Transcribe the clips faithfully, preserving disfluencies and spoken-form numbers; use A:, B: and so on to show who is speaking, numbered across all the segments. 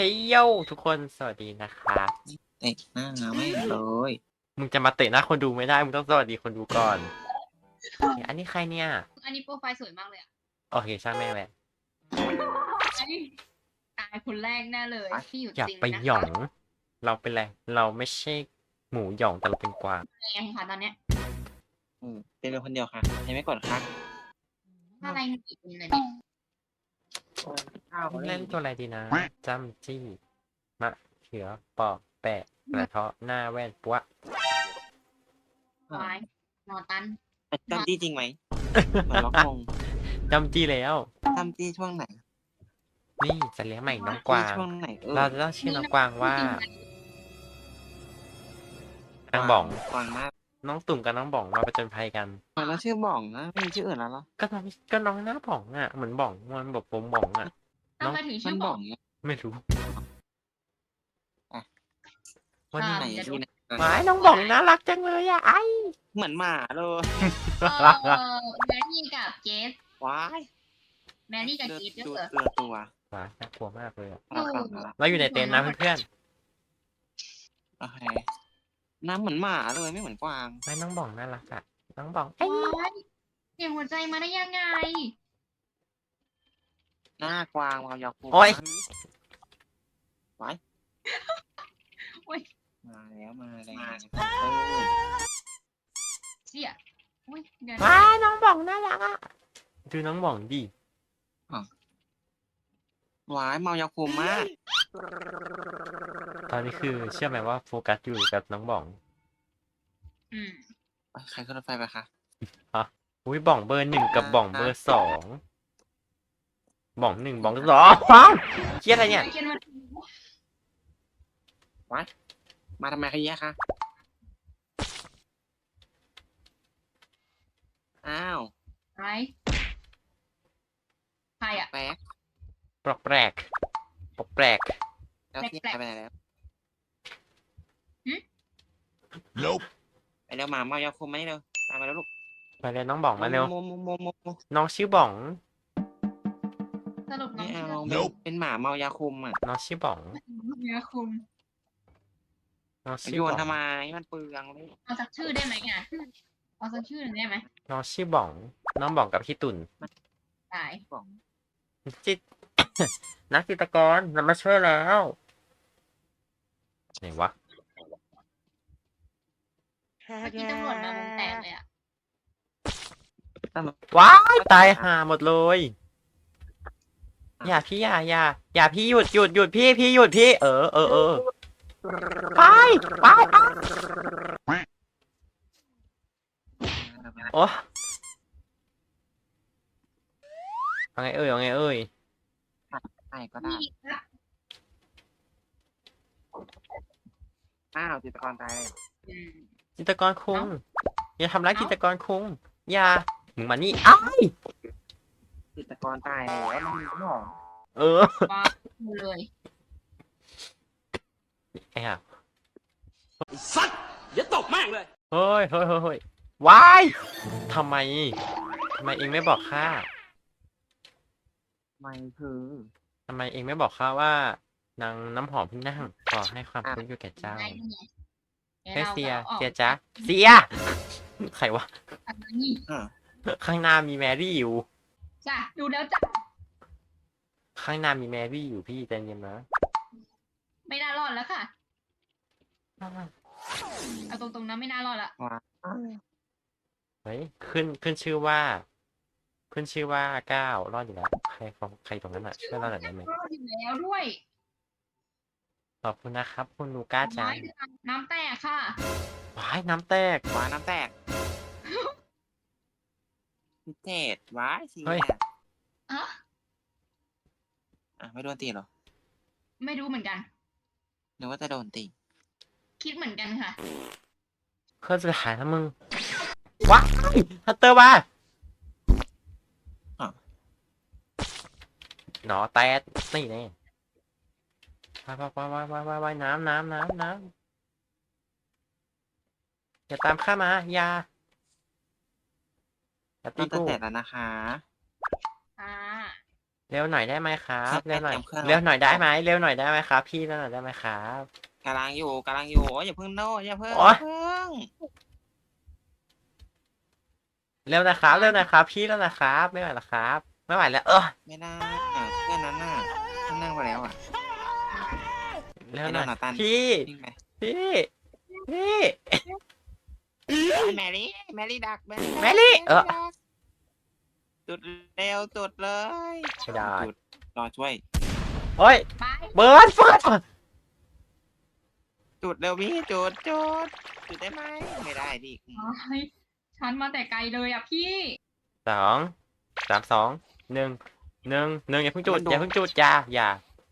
A: ฮ้ยโยทุกคนสวัสดีนะครับ
B: เตะหน้าไม่เลย
A: มึงจะมาเตะหน้าคนดูไม่ได้มึงต้องสวัสดีคนดูก่อนอันนี้ใครเนี่ย
C: อันนี้โปรไฟล์สวยมากเลยอ่ะ
A: โอเคช่างแม่งแหละ
C: อันนี้ตายคนแรกแน่เลยที่อยู่
A: อย่า
C: จริง
A: ไป
C: นะ
A: หย่อ
C: คะ
A: งเราเป็นอะไรเราไม่ใช่หมูหย่องแต่เราเป็นกวาง
C: แรงค่ะตอนเนี้ย
B: อืมเป็นเพียงคนเดียวค่ะให้ไม่กดค่ะ
C: อะไรมีอีกคนเลยเนี่ย
B: ข้าว
A: เล่นตัวอะไรดีนะจำจี้มะเขือปอกแปะกระเทาะหน้าแว่นปัว
C: วายนอตัน
B: จำจี้จริงไหมเหมือนล็อกงง
A: จำจี้แล้ว
B: จำจี้ช่วงไหน
A: นี่จะเลี้ยงใหม่น้องกวาง
B: ช่วงไหนเออ
A: เราจะต้องชื่อน้องกวางว่า
C: จริงไหม
A: นางบ่อง
B: กวางมาก
A: น้องตุ่มกับน้องบ่องมาประจนภัยกัน
B: กวางแล้วชื่อบ่องนะไม่มีชื่ออื่นแล้วเหรอ
A: ก็น้องก็น้องหน้าบ่องอ่ะเหมือนบ่องมันแบบผมบ่องอ่ะ
C: ทำไมถึง
B: มั
C: ชื่
B: น
C: อ
B: บบ อ
C: อก ก
B: เนี่ย
A: ไม่รู้
B: อ่ะ
A: วันนี้
B: ไหน
C: จะดู
B: ที่ไหน
A: หมายน้องบ่องน่ารักจังเลยอ่ะไอ้
B: เหมือนหมาเลย
C: เออแมรี่กับเจส
B: ว้าย
C: แมรี่กับ
B: เลือ
C: เจส
B: ดู
C: ด้วยเหรอ
B: เลือตัว
A: ว้าน่ากลัวมากเลยอะ
C: โอ้
A: เราอยู่ในเต็นท์นะเพื่อน
B: โอเคน้ำเหมือนหมาเลยไม่เหมือนกวาง
A: ๆไม่น้องบ่องน่ารักอ่ะน้องบ่องไอ้
C: ว้ายเสียงหัวใจมาได้ยังไง
B: หน้ากวางวาวยาวคู
A: โอ้ย
B: ไว้
C: โอ้ย
B: มาแล้วมาแล้ว
C: เสียอุ้ยเดี๋ยว
A: ว้าน้องบ่องน่ารักอ่ะดูน้องบ่องดิ
B: หวายเมายาคุมมาก
A: ตอนนี้คือเชื่อไหมว่าโฟกัสอยู่กับน้องบ่อง
C: อืม
B: ไปใครขึ้นรถไฟไปคะ
A: อุ้ยบ่องเบอร์หนึ่งกับบ่องเบอร์สองบ่องหนึ่งบ่องสองเครียดอะไรเนี่ย
C: เขียนว่า
B: มาทำไมขยี้คะอ้าว
C: อะไรใครอ่ะ
B: แป๊ก
A: ปลอกแปลกปลอกแปลก
B: แล้วพี่
C: แปลกๆ
B: ไปไหนแล้ว
D: Nope.
B: ไปเร็วหมาเมายาคุมมานี่เร็วตามมาแล้วลูก
A: มาเร็วน้องบ่องมาเร็ว
B: โมโมโมโมโม
A: น้องชื่อบ่อง
C: สรุปน้
B: ไม่
C: อง
B: เอา
C: ชื่อ
D: Nope
B: เป็นหมาเมายาคุมอ่ะ
A: น้องชื่อบ่อง
C: เนื้อคุม
A: น้อง
B: ไป
A: ชื่อ
B: โย
A: บ่
B: น
A: อง
B: ทำไมมันเปลืองเลย
C: เอาสักชื่อได้ไหมอ่ะเอาสักชื่อหนึ่งได้ไหม
A: น้องชื่อบ่อง น้องบ่องกับพี่ตุ่น
C: ตาย
B: บอก
A: จิต นักจิตรกรเรามาช่วยแล้วไหนวะ
C: เมื่อกี้ตำรวจมาวงแตกเลยอ่ะ
A: ว้ายตายห่าหมดเลย อย่าพี่อย่าอย่าอย่าพี่หยุดหยุดหยุดพี่พี่หยุดพี่เออเออเออไปไปไปโอ้เอาไงเอ่ยเอาไงเอ่ย
B: ใช่ก็ได้
C: นี่ครับ
B: อ้าวจิตรกรตายเลย
C: อืม
A: จิตรกรคุงอย่าทำร้ายจิตรกรคุงอย่ามึงมานี่อ้าย
B: จิตรกรตายแล้วมันมีหมอง
A: เออ
C: ว้าเลย
A: ไอ้ห่า
D: สัตว์อย่าตกแม่งเลย
A: เฮ้ยเฮ้ยเฮ้ยเฮ้ยว้ายทำไมทำไมเองไม่บอกข้า
B: ไม่คือ
A: ทำไมเองไม่บอกข้าว่านางน้ำหอมเพิ่งนั่งขอให้ความคุ้นอยู่แก่เจ้า
C: ได้ไง
A: เฮ้ยเสีย
C: ออก
A: เสียจ๊ะเสียใครวะ
C: อันนี้
B: อ่า
A: ข้างหน้ามีแมรี่อยู่
C: จ้ะดูแล้วจ้ะ
A: ข้างหน้ามีแมรี่อยู่พี่ใจเย็นนะ
C: ไม่น่ารอดแล้วค่ะเอาตรงๆนะไม่น่ารอดละ
B: ว้า
A: เฮ้ยขึ้นขึ้นชื่อว่า ขึ้นชื่อว่าก้าวรอดอยู่แล้วใครของใครตรงนั้นอ่ะช่วยเราหน่อยได้ไหม
C: รอดอยู่แล้วด้วย
A: ขอบคุณนะครับ คุณลูก้าจัง
C: น้ำแตกค่ะ
A: ว้ายน้ำแตก
B: ว้าน้ำแตกพิเศษว้ายสิ
A: เฮ้ย
C: อะ
B: อ่ะไม่โดนตีเหรอ
C: ไม่รู้เหมือนกัน
B: หรือว่าจะโดนตี
C: คิดเหมือนกันค่ะ
A: เครื่องสุดท้ายแล้วมึงว้ายฮัตเตอร์มาหนอแตดนี่แน่ไปไปไปไปไปไปไปน้ำน้ำน้ำน้ำอย่าตามข้ามาอย่าอย่าตี
B: ต้องจะ
A: กู
B: เสร็จแล้วนะคะ
C: อ่า
A: เร็วหน่อยได้ไหมครับ
B: เครื่
A: เร็
B: อ
A: ว
B: ง
A: หน่อย
B: เตรียมเครื่อง
A: เร็วหน่อยได้ไหมเร็วหน่อยได้ไหมครับ พี่เร็วหน่อยได้ไหมครับ
B: กำลังอยู่กำลังอยู่โอ้ยอย่าเพิ่งโน้อย่าเพิ่ง
A: โอ๊
B: อย ย่าเพิ่ง
A: เร็วนะครับเร็วนะครับพี่เร็วนะครับไม่ไหวแล้วครับไม่ไหวแล้วเออ
B: ไม่ได้อ่ะเพื่อนนั้นน่ะท่านนั่งไปแล้วอ่ะ
A: เร็วหน่อย
B: ไอ้โดนัตัน
A: พี่
B: วิ่งไป
A: พี่พี่
B: แมรี่แมรี่ดัก
A: แมรี่เออ
B: ดักจุดเร็วจุดเลย
A: ไม่ได้
B: จุดรอช่วย
A: โอ้ย
C: ไป
A: เบิร์ดเฟิร์ส
B: จุดเร็วพี่จุดจุดจุดได้ไหมไม่ได้ดิอืม
C: โอ้ยฉันมาแต่ไกลเลยอ่ะพี่
A: สองสามสองหนึ่งหนึ่งหนึ่งอย่าเพิ่งจุดอย่าเพิ่งจุดอย่าอย่า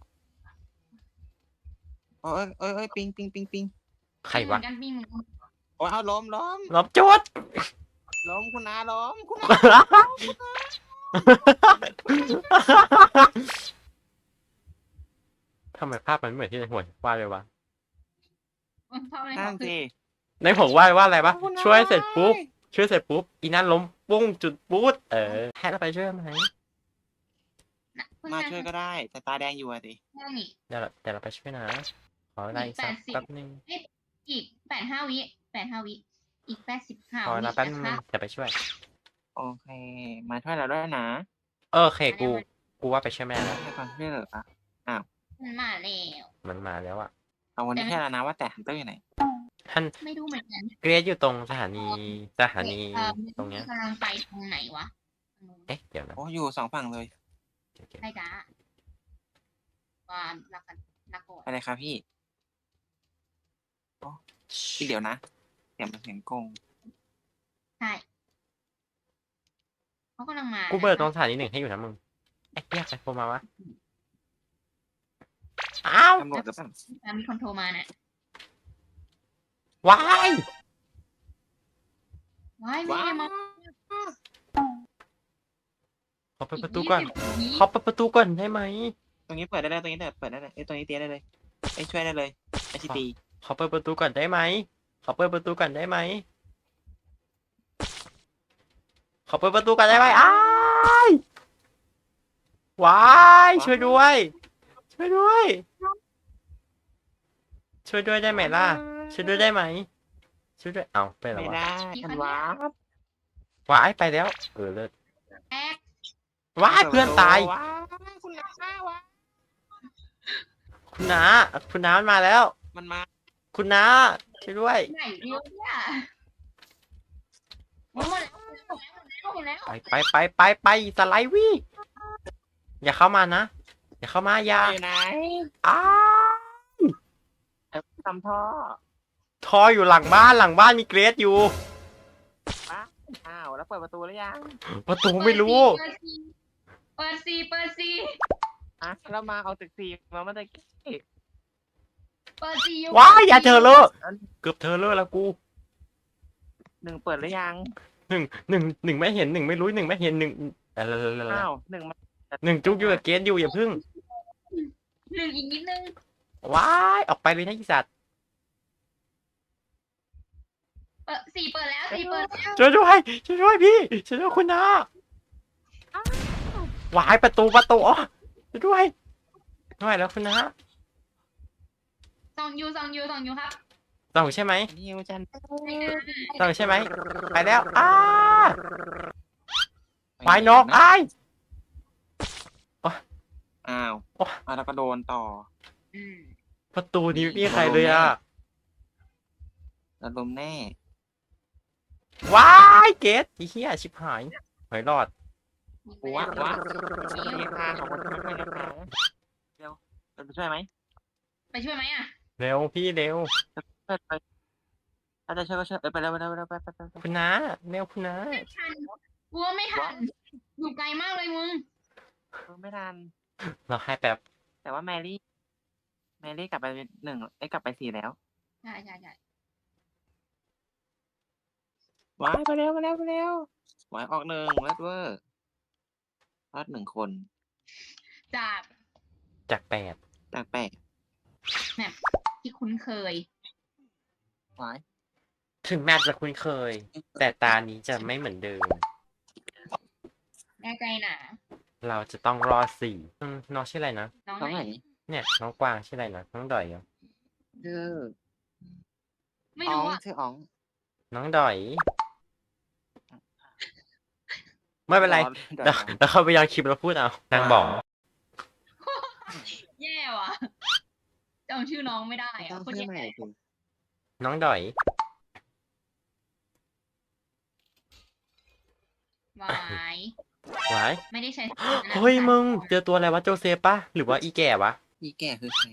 B: โอ้ยเอ้ยเอ้ยปิงปิงปิงปิง
A: ใครวะ
C: เหมือนกันพี่เหมือนกัน
B: โอ้ยเอาล้มล้ม
A: ลบจุด
B: ล้มคุณนาล้มคุณนา
A: ทำไมภาพมันเหมือนที่ในหัววาดเลยวะ
C: เพราะอะไร
B: นั่
C: เขา
B: น
C: คือ
B: สิ
A: ในหัววาดว่าอะไรปะ
B: คุณนา
A: ช่วยเสร็จปุ๊บช่วยเสร็จปุ๊บอีนั่นล้มปุ้งจุดปุ๊ดเออให้เราไปช่วยไหม
C: น่ะเพิ่ง
B: มา
C: นั่ง
B: ช่วยก็ได้ แต่ตาแดงอยู่อะสิ
C: นั่งนี่
A: เดี๋ยวเราเดี๋ยวเราไปช่วยนะขอเวลาอีกสัก
C: แปดสิบ
A: แป๊บนึง
C: อีกแปดห้าวิแปดห้าวิอีกแปดสิบห้า
A: ขอ
C: วิ
A: เวลาแป๊บนึ
C: นะ
A: ง
C: คะ
A: จะไปช่วย
B: โอเค มาช่วยเราด้วยนะ
A: เออโอเคกูกูว่าไปช่วยแม่แล้ว
B: ให้ความช่วยเหลืออ่ะ
C: มันมาแล้ว
A: มันมาแล้วอะ
B: เอาวันนี้แค่แล้วนะว่าแต่ฮันเตอร์อยู่ไหน
A: ท่าน
C: ไม่รู้เหมือนกัน
A: เกรดอยู่ตรงสถานีสถานี
C: เอ่อ
A: ตรงเนี้ย
C: กำลังไปตรงไหนวะ
A: เอ๊ะเดี๋ยวนะ
B: โอ้อยู่สองฝั่งเลย
A: เดี๋ยวเดี๋ยว
C: ใช่จ้าว่ารักกันรักก่อน
B: ไปเลยครับพี่พี่เดี๋ยวนะเดี๋ยวมันเสียงกง
C: ใช่เขากำลังมา
A: กูเบิร์ตรงสถานีหนึ่งให้อยู่นะมึงเอ๊ะเรียกใครโทรมาวะอ้าว
B: ตำรวจจะสั่ง
C: อ่ะมีคนโทรมาน่ะ
A: วาย
C: ว้ายไม่
B: ว้า
C: ได้มา
A: ขอเปิดประตูก่อน
C: ยี่สิบวิ
A: ขอเปิดประตูก่อนได้ไหม
B: ตรงนี้เปิดได้เลยตรงนี้เปิดได้เลยไอ้ยตรงนี้เตี้ยได้เลยไอ้ยช่วยได้เลยไอ้ชิตี
A: ขอเปิดประตูก่อนได้ไหมขอเปิดประตูก่อนได้ไหมขอเปิดประตูก่อนได้ไหมอ้ายวายช่วยด้วย ช่วยด้วย ช่วยด้วยได้ไหมล่ะ ช่วยด้วยได้ไหมช่วยด้วยเอาไปแล้ว
B: ไม่
A: วะ
B: ได้ทันวาบ
A: วายไปแล้วเออเลิศ
C: แอก
A: วายเพื่อนตาย
B: ว้าวคุณน้าวะ
A: คุณน้าคุณน้ามันมาแล้ว
B: มันมา
A: คุณน้าช่วยด้วย
C: ไหนเดียวเนี่ยหมดแล้วหมดแล้วหมดแล้วหมดแล้ว
A: ไปไปไปไปไปสไลด์วี่อย่าเข้ามานะอย่าเข้ามาอย่า
B: อยู่ไหน
A: อ้า
B: ไอ้ทำท่อ
A: ทออยู่หลังบ้านหลังบ้านมีเกรดอยู่
B: อ้าวแล้วเปิดประตูหรือยัง
A: ประตูไม่รู้
C: เปิดซีเปิดซีเปิดซี
B: อ่ะแล้วมาเอาตึกสี่มาเมื่อกี้
C: เปิดซีอยู่
A: ว้ายอย่าเธอเลอะเกือบเธอเลอะแล้วกู
B: หนึ่งเปิดหรือยัง
A: หนึ่งหนึ่งหนึ่งไม่เห็นหนึ่งไม่รู้หนึ่งไม่เห็นหนึ่งอะไร
B: อ้าวหนึ่งมา
A: หนึ่งจุกอยู่กับเกรดอยู่อย่าพึ่ง
C: หนึ่งอีกนิดนึง
A: ว้ายออกไปเลยนะอีสัตว์
C: เปิดสี่เปิดแล้วสี่เปิดแล้ว
A: ช่วยด้วยช่วยด้วยพี่ช่วยด้วยคุณน้าว้ายประตูประตูอ๋อช่วยด้วยไม่ไหวแล้วคุณน้า
C: สองยูสองยูสองยูครับ
A: ต้องใช่ไหม
B: นิวจัน
A: ต้องใช่ไหมไปแล้วอ้าไปนอกอ้าย
B: อ้าว
A: โอ๊ย
B: อ่ะแล้วก็โดนต่อ
C: อืม
A: ประตูนี้ไม่มีใครเลยอ่ะ
B: แล้วลมแน่
A: ว้ายเกตอีเหี้ยชิบหายหอยรอด
B: หัวหัวมีค่าของคนช่วยนะคะเร็วเราไปช่วยไหม
C: ไปช่วยไหมอ่ะ
A: เร็วพี่เร็ว
B: ช่วยไปถ้าจะช่วยก็ช่วยเออไปเร็วไปเร็วไปเร็วไปไปไปไป
A: คุณน้าเร็วคุณน้า
C: ไม่ทันกลัวไม่ทันอยู่ไกลมากเลยมึง
B: เออไม่ทัน
A: เราให้แป๊บ
B: แต่ว่าแมรี่ แมรี่กลับไปหนึ่งไอ้ยกลับไปสี่แล้ว
C: ใช่ใช่ใช่
B: ว้ายไปเร็วไปเร็วไปเร็วว้ายออกหนึ่งเลิศเวอร์รอดหนึ่งคน
C: จาก
A: จากแปด
B: จากแปด
C: ที่คุ้นเคย
B: ว้าย
A: ถึงแม้จะคุ้นเคย แต่ตานี้จะไม่เหมือนเดิม
C: แน่ใจนะ
A: เราจะต้องรอดสี่อืมน้องชื่ออะไรนะ
C: น้อง
B: ตรง
C: ไห
B: ไห
C: น
B: น
A: เนี่ยน้องกวางชื่ออะไรนะน้องดอยเหรอ
B: ชื่อ
C: ไม่
B: อ๋อ
C: รู้
B: ง
C: อ่ะ
B: ชื่ออ๋อง
A: น้องดอย ไม่เป็นไร
B: ดอ
A: เดี๋ยวเดี๋ยวเขาไปย้อนคลิปแล้วพูดเอานางบอก
C: แย่ว่ะจำชื่อน้องไม่ได้
B: ต้อ
C: อ่ะ
B: ง
C: คน
B: ชื่อ
C: แย่
B: ใหม่สิ
A: น้องดอย
C: วาย
A: ไว้
C: ไม่ได้ใช้
A: เฮ้ยมึงเจอตัวอะไรวะโจเซฟปะหรือว่าอีแก่วะ
B: อีแก่คือใคร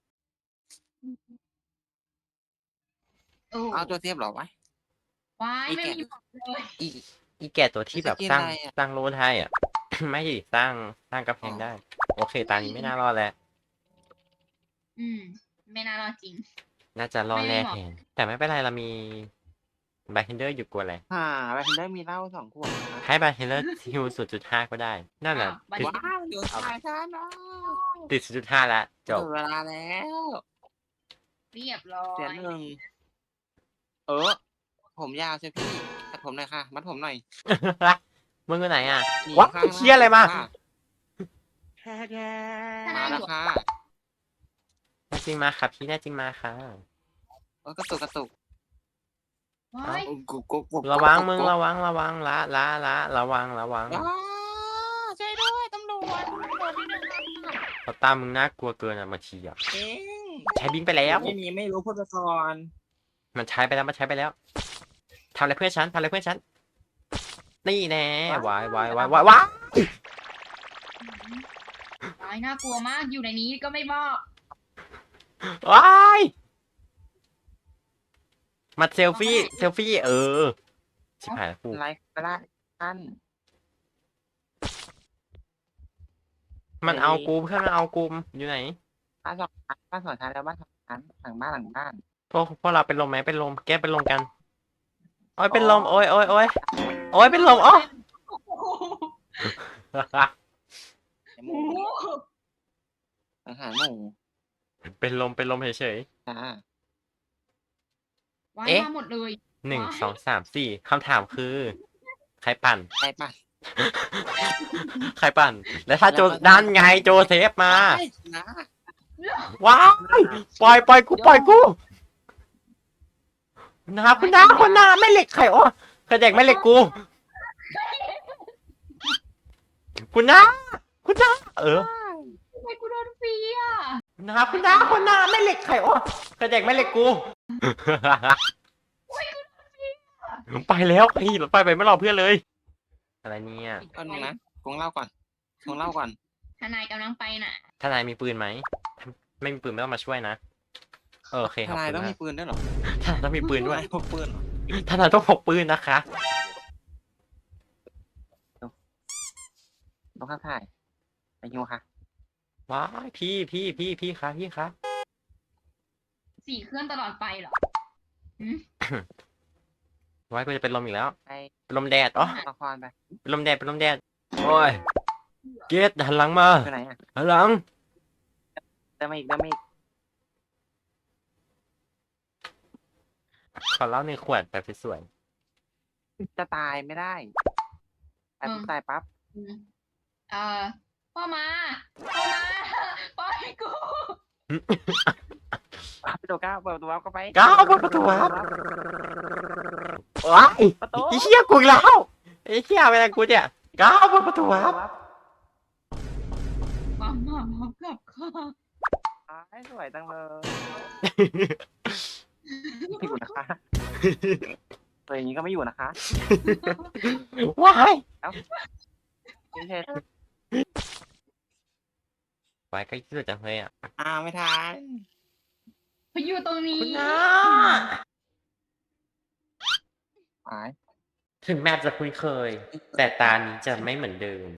C: โอ้
B: เอาตัวเทียบเหรอวะ
C: วาย
B: อี
C: ไม่
B: แก่
C: มีบอกเลย
A: อีอีแก่ตัวที่แบบ
B: จะกิน
A: สร้าง
B: อะไรอะ
A: สร้างโลไทยอ่ะ ไม่ดิสร้างสร้างกระแพงได้ โอเคตานี้ไม่น่ารอดแล้ว
C: อืม ไม่น่ารอดจริง
A: น่าจะรอด
C: ไม่
A: แน่
C: บอก
A: แทนแต่ไม่เป็นไรเรามีบาร์เทนเดอร์อยู่กลัวอะไร
B: อ่าแบทเทนได้มีเหล้าสองขวดนะ
A: ให้บาร์เทนเดอร์ฮิวศูนย์จุดห้าก็ได้ นั่นแหละ
C: อ้าว
A: ติด
B: ว้าวโดนตายซะนะ
A: ติดศูนย์จุดห้าแล้วจบ
B: ถึงเวลาแล้ว
C: เรียบร้อ
B: เสีย
C: ย
B: หนึ่งเออ ผมยาวใช่พี่ตัดผมหน่อยค่ะ มัดผมหน่อย
A: มึงอยู่ไหนอ่ะ
B: นี่
A: วะ
B: ข้าง
A: ไอ้เชี่ยอะไรมา
B: ค่ะ
C: ถ้า
B: มา
C: ได้
B: แล้ว
C: อยู่
B: ค่ะ
A: แน่จริงมาค่ะพี่แน่จริงมาค่ะ
B: โอ้ยกระตุกกระตุก
C: ว้าย
B: กุ๊กกุ๊กกุ๊กกุ๊ก
A: ระวัง
B: กุ๊ก
A: มึง
B: กุ๊ก
A: ระวังระวังละละละระวังระวัง
B: อ้าช่วยด้วยตำรวจตำรวจนี่นะครับ
A: เขาตามมึงน่ากลัวเกินอ่ะบางทีอ่ะ
B: เอง
A: ใช้บิงไปแล้ว
B: ไม่มีไม่รู้พูดไปก่อน
A: มันใช้ไปแล้วมันใช้ไปแล้วทำอะไรเพื่อนฉันทำอะไรเพื่อนฉันนี่แน่วายวายวายวายวาย
C: วายน่ากลัวมาก อยู่ในนี้ก็ไม่บอก
A: วายมาเซลฟี่เซลฟี่เออชิบหายแล้วกู
B: ไลฟ์ก็ได้ท่าน
A: มันเอากูเพื่อนมันเอากูอยู่ไหน
B: บ้านสองชั้นบ้านสองชั้นแล้วบ้านสองชั้นหลังบ้านหลังบ้าน
A: พวกพวกเราเป็นลมไหมเป็นลมแก้เป็นลมกันโอ้ยเป็นลมโอ้ยโอ้ยโอ้ยโอ้ยเป็นลมอ๋อ
B: หมู
C: โอ้โห
B: อาหารหมู
A: เป็นลมเป็นลมเฉย
B: จ้า
C: วาย
A: เอ๊ะ
C: มาหมดเลย
A: ๆหนึ่ง
C: ว้าย
A: สองสามสี่คำถามคือ ใครปั่น
B: ไปป่ะ
A: ใครปั่น แล้วถ้าโจด้านไงโจเซฟมา
B: ไปนะ
A: ว้ายปล่อยปล่อยกูปล่อยกูนะครับคุณน้าคุณน้าไม่เหล็กไข่อ้อกระเด็กไม่เหล็กกู คุณน้าคุณน้าเออ
C: ทำไมกูโดนฟรีอ่ะ
A: นะครับคุณน้าคุณน้าไม่เหล็กไข่อ้อกระเด็กไม่เหล็กกู ไปแล้วไอ้รถไฟไปไม่รอเพื่อนเลย อะไรเนี่ย
B: ก่อนหนึ่งนะคงเล่าก่อนคงเล่าก่อน
C: ทนายกำลังไปน่ะ
A: ทนายมีปืนไหมไม่มีปืนไม่ต้องมาช่วยนะเออโอเค
B: ท
A: ขอบ
B: นาย
A: คุณ
B: ต้อง
A: มา
B: มี
A: ก
B: ปืนด้วยเหรอ
A: ทนายต้องมีปืนด้วย
B: ทายพกปืนเหรอ
A: ทนายต้องพกปืนนะคะ
B: ต้องข้าถ่ายไปยูค่ะ
A: ว้ายพี่พี่พี่พี่คะพี่คะ
C: สี่เครื่องตลอดไปเหรอ
A: ว้ายกูจะเป็นลมอีกแล้ว
B: ไป
A: เป็นลมแดดอ๋อ
B: ละครไป
A: เป็นลมแดดเป็นลมแดดโอ้ยเกตหันหลังมา
B: ไปไหนอ่ะ
A: หันหลัง
B: เดินมาอีกเดินมาอีก
A: ขอเหล้าหนึ่งขวดแบบสวย
B: จะตายไม่ได้ตายปุ๊บตายปั๊บ
C: อืมเอ่อพ่อมา พ่อมาปล่อยกู
B: ปั๊บไปตัวก้าวเปิดประตูวับเข้าไป
A: ๆก้าวเปิดประตูวับว้าย
B: ประตู
A: ไอ้เหี้ยกูอีกแล้วไอ้เหี้ยเป็นอะไรกูเนี่ยก้าวเปิดประตูวับ
C: มามามากับข้า
B: ตายสวยจังเลยไม่อยู่นะคะตัวอย่างนี้ก็ไม่อยู่นะคะ
A: ว้าย
B: ไม่ใช่
A: ว้ายก็ยืดจังเลยอ่ะ
B: อ่าไม่ทัน
C: ไปอยู่ตรงนี้
A: คุณน้า
B: หาย
A: ถึงแม้จะคุ้นเคย แต่ตานี้จะไม่เหมือนเดิม